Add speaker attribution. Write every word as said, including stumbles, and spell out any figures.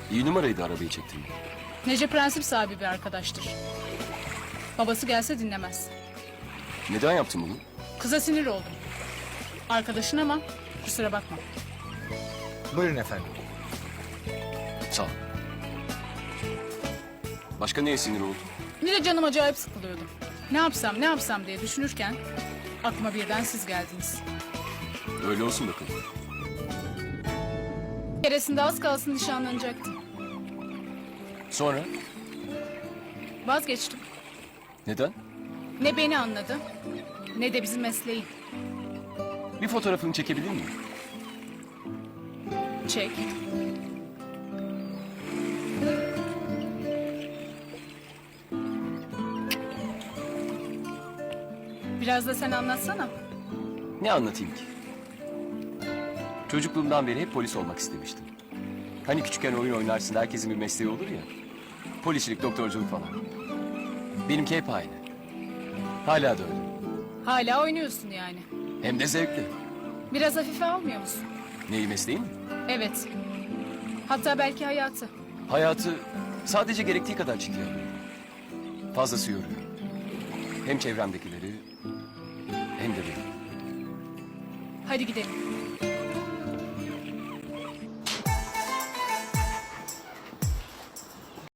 Speaker 1: İyi numaraydı arabayı çektirmek.
Speaker 2: Nece prensip sahibi bir arkadaştır. Babası gelse dinlemez.
Speaker 1: Neden yaptın bunu?
Speaker 2: Kıza sinir oldum. Arkadaşın ama kusura bakma.
Speaker 3: Buyurun efendim.
Speaker 1: Sağ ol. Başka neye sinir oldun?
Speaker 2: Bir de canım acayip sıkılıyordu. Ne yapsam ne yapsam diye düşünürken aklıma birden siz geldiniz.
Speaker 1: Öyle olsun bakalım.
Speaker 2: Bir keresinde az kalsın nişanlanacaktım.
Speaker 1: Sonra?
Speaker 2: Vazgeçtim.
Speaker 1: Neden?
Speaker 2: Ne beni anladı ne de bizim mesleği.
Speaker 1: Bir fotoğrafını çekebilir miyim?
Speaker 2: Çek. Biraz da sen anlatsana.
Speaker 1: Ne anlatayım ki? Çocukluğumdan beri hep polis olmak istemiştim. Hani küçükken oyun oynarsın, herkesin bir mesleği olur ya. Polislik, doktorculuk falan. Benimki hep aynı. Hala da öyle.
Speaker 2: Hala oynuyorsun yani.
Speaker 1: Hem de zevkli.
Speaker 2: Biraz hafife almıyor musun?
Speaker 1: Neyi, mesleği mi?
Speaker 2: Evet. Hatta belki hayatı.
Speaker 1: Hayatı sadece gerektiği kadar ciddiye alıyorum. Fazlası yoruyor. Hem çevremdekileri hem de beni.
Speaker 2: Hadi gidelim.